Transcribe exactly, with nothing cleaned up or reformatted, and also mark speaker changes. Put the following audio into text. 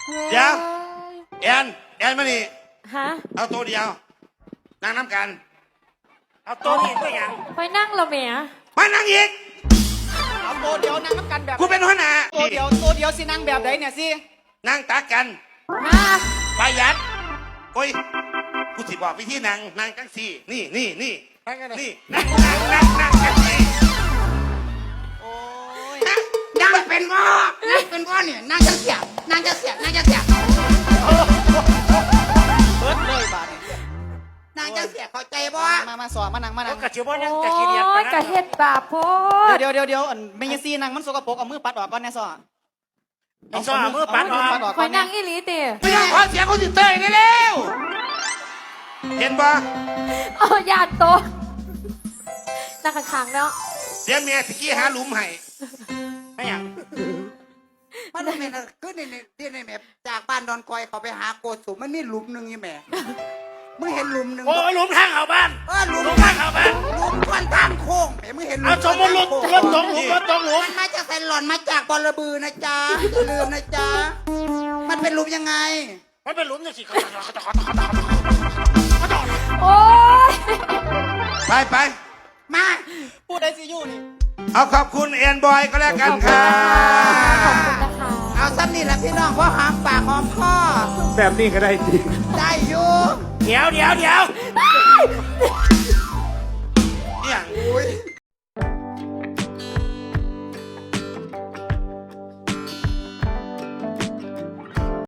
Speaker 1: เดี๋ยวแอนแอนมานี่
Speaker 2: ฮะ
Speaker 1: เอาตัวเดียวนั่งน้ำกันเอาตัวนี้ก็ยัง
Speaker 2: คอยนั่งเราเมีย
Speaker 1: มานั่งอีก
Speaker 3: เอาตัวเดียวนั่งน้ำกันแบบ
Speaker 1: กูเป็นหัวหน้า
Speaker 3: ตัวเดียวตัวเดียวสินั่งแบบไหนเนี่ยสิ
Speaker 1: นั่งตักกัน
Speaker 2: มา
Speaker 1: ประหยัดโอ้ยกูสิบอกวิธีนั่งนั่งจังสี่นี่นี่นี่นี่นั่งนั่งนั่งนั่งจังสี่
Speaker 3: โอ้ย
Speaker 4: นั่งเป็นง้อนั่งเป็นง้อเนี่ยนั่งจะเสียบนั่งจะเสียบนั่งจะเสียบ
Speaker 3: เบิดเลยบาดนี่
Speaker 4: นั่งจะเสียบเข้าใจบ่
Speaker 3: มามาสอนมานั่งมานั่ง
Speaker 1: กระชิบว่านั่ง
Speaker 2: โอ้
Speaker 1: กระชิเดียบ
Speaker 2: ยกะเฮ็ดบาปโพด
Speaker 3: เดี๋ยวเดี๋ยวเดี๋ยวอันไม่ยังซีนั่งมันสกปรกเอามือปัดออกก่อนแน่สอน
Speaker 1: ไอ้ซ้อมือปัดออก
Speaker 3: ปัดออก
Speaker 2: ค
Speaker 3: ก่
Speaker 2: อ
Speaker 3: อย น
Speaker 2: นั่
Speaker 3: นะ
Speaker 2: งอีหลีติ
Speaker 1: ไม่ต้องขอเสียงเขาสิเตยเร็วเห็นปะ
Speaker 2: โอ้ยานโตนั่งข้างๆแล้ว
Speaker 1: เสียเมียสิกี้หาหลุมให้ไม่อยาก
Speaker 4: มันเป็นอะไรคือในที่ในแมพจากบ้านดอนกอยเขาไปหาโกสุมมันมีหลุมหนึ่งยี่แม่มึงเห็นหลุมหนึ่ง
Speaker 1: โอ้ยหลุมทางเข้าบ้าน
Speaker 4: เออหลุม
Speaker 1: หลุมทางเข้าบ้าน
Speaker 4: หลุมก้อนทางโค้งแม่มึงเห็นหลุ
Speaker 1: เอา
Speaker 4: ม
Speaker 1: สมมติรถรถตกหลุมรถตกหลุม
Speaker 4: มันมาจากไซหลอนมาจากบอระบือนะจ๊ะอย่าลืมนะจ๊ะมันเป็นหลุมยังไง
Speaker 1: มันเป็นหลุมจังสิ
Speaker 2: โอ้ย
Speaker 1: ไปไป
Speaker 4: มา
Speaker 3: พูดได้สิอยู่นี่
Speaker 1: เอาขอบคุณเอ็นบอยก็แล้วกันค่ะ
Speaker 2: ขอบคุณนะคะ
Speaker 4: เอาซ้ำนี่แหละพี่น้องเพราะหอมปากหอมคอ
Speaker 5: แบบนี้ก็ได้จริง
Speaker 4: ได้อยู่
Speaker 1: เดี๋ยวเดี๋ยวเดี๋ยว
Speaker 2: อ้า